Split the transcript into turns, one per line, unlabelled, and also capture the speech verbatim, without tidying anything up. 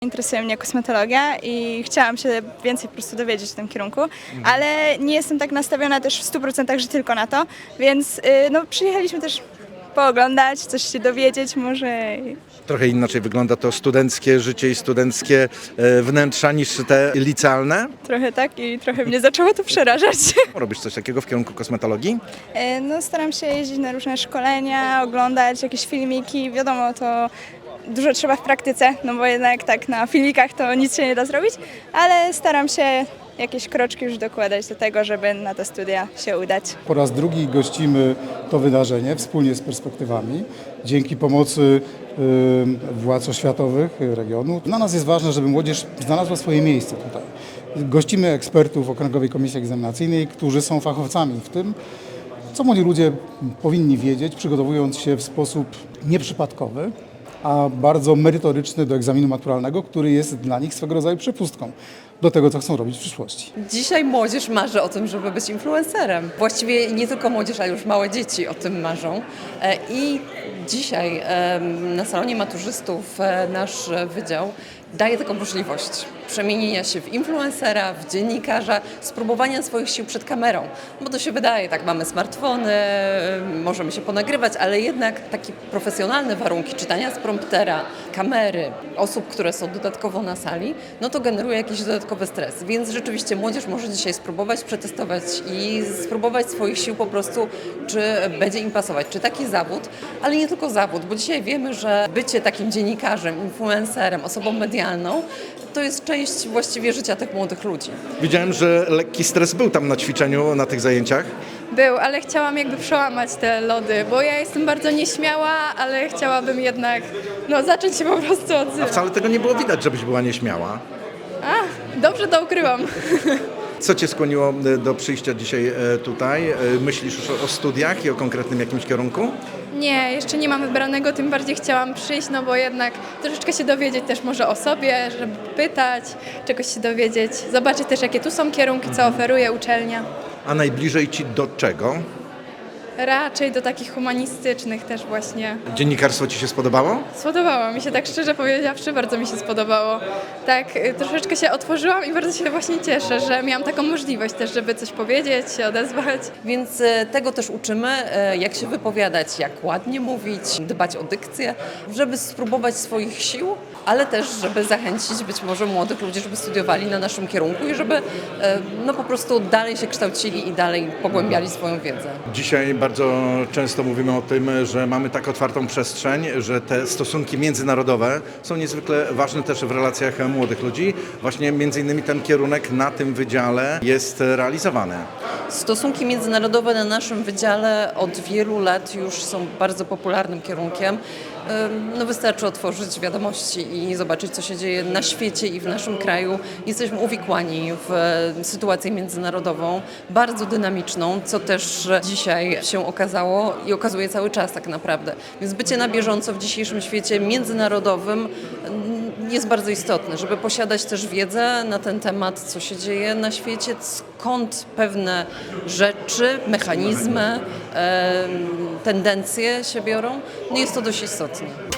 Interesuje mnie kosmetologia i chciałam się więcej po prostu dowiedzieć w tym kierunku, ale nie jestem tak nastawiona też w stu procentach, że tylko na to, więc y, no, przyjechaliśmy też pooglądać, coś się dowiedzieć może.
Trochę inaczej wygląda to studenckie życie i studenckie e, wnętrza niż te licealne.
Trochę tak i trochę mnie zaczęło to przerażać.
Robisz coś takiego w kierunku kosmetologii?
Y, No, staram się jeździć na różne szkolenia, oglądać jakieś filmiki, wiadomo, to dużo trzeba w praktyce, no bo jednak tak na filmikach to nic się nie da zrobić, ale staram się jakieś kroczki już dokładać do tego, żeby na te studia się udać.
Po raz drugi gościmy to wydarzenie wspólnie z perspektywami. Dzięki pomocy y, władz oświatowych regionu. Dla nas jest ważne, żeby młodzież znalazła swoje miejsce tutaj. Gościmy ekspertów Okręgowej Komisji Egzaminacyjnej, którzy są fachowcami w tym, co młodzi ludzie powinni wiedzieć, przygotowując się w sposób nieprzypadkowy, a bardzo merytoryczny do egzaminu maturalnego, który jest dla nich swego rodzaju przepustką do tego, co chcą robić w przyszłości.
Dzisiaj młodzież marzy o tym, żeby być influencerem. Właściwie nie tylko młodzież, ale już małe dzieci o tym marzą. E, I dzisiaj e, na salonie maturzystów e, nasz wydział daje taką możliwość przemienienia się w influencera, w dziennikarza, spróbowania swoich sił przed kamerą. Bo to się wydaje, tak, mamy smartfony, możemy się ponagrywać, ale jednak takie profesjonalne warunki czytania z promptera, kamery, osób, które są dodatkowo na sali, no to generuje jakiś dodatkowy stres. Więc rzeczywiście młodzież może dzisiaj spróbować, przetestować i spróbować swoich sił po prostu, czy będzie im pasować, czy taki zawód, ale nie tylko zawód, bo dzisiaj wiemy, że bycie takim dziennikarzem, influencerem, osobą medialną, to jest część właściwie życia tych młodych ludzi.
Widziałem, że lekki stres był tam na ćwiczeniu, na tych zajęciach.
Był, ale chciałam jakby przełamać te lody, bo ja jestem bardzo nieśmiała, ale chciałabym jednak no, zacząć się po prostu
A
odzywać.
wcale tego nie było widać, żebyś była nieśmiała.
A, dobrze to ukryłam.
Co Cię skłoniło e, do przyjścia dzisiaj e, tutaj? E, Myślisz już o, o studiach i o konkretnym jakimś kierunku?
Nie, jeszcze nie mam wybranego, tym bardziej chciałam przyjść, no bo jednak troszeczkę się dowiedzieć też może o sobie, żeby pytać, czegoś się dowiedzieć, zobaczyć też jakie tu są kierunki, co oferuje uczelnia.
A najbliżej Ci do czego?
Raczej do takich humanistycznych też właśnie.
Dziennikarstwo Ci się spodobało?
Spodobało mi się, tak szczerze powiedziawszy, bardzo mi się spodobało. Tak, y, troszeczkę się otworzyłam i bardzo się właśnie cieszę, że miałam taką możliwość też, żeby coś powiedzieć, się odezwać.
Więc e, tego też uczymy, e, jak się wypowiadać, jak ładnie mówić, dbać o dykcję, żeby spróbować swoich sił, ale też, żeby zachęcić być może młodych ludzi, żeby studiowali na naszym kierunku i żeby e, no po prostu dalej się kształcili i dalej pogłębiali swoją wiedzę.
Dzisiaj bardzo często mówimy o tym, że mamy tak otwartą przestrzeń, że te stosunki międzynarodowe są niezwykle ważne też w relacjach młodych ludzi. Właśnie między innymi ten kierunek na tym wydziale jest realizowany.
Stosunki międzynarodowe na naszym wydziale od wielu lat już są bardzo popularnym kierunkiem. Ym, No wystarczy otworzyć wiadomości i zobaczyć, co się dzieje na świecie i w naszym kraju. Jesteśmy uwikłani w e, sytuację międzynarodową, bardzo dynamiczną, co też dzisiaj się okazało i okazuje cały czas tak naprawdę. Więc bycie na bieżąco w dzisiejszym świecie międzynarodowym mm, jest bardzo istotne, żeby posiadać też wiedzę na ten temat, co się dzieje na świecie, skąd pewne rzeczy, mechanizmy, em, tendencje się biorą. No jest to dość istotne.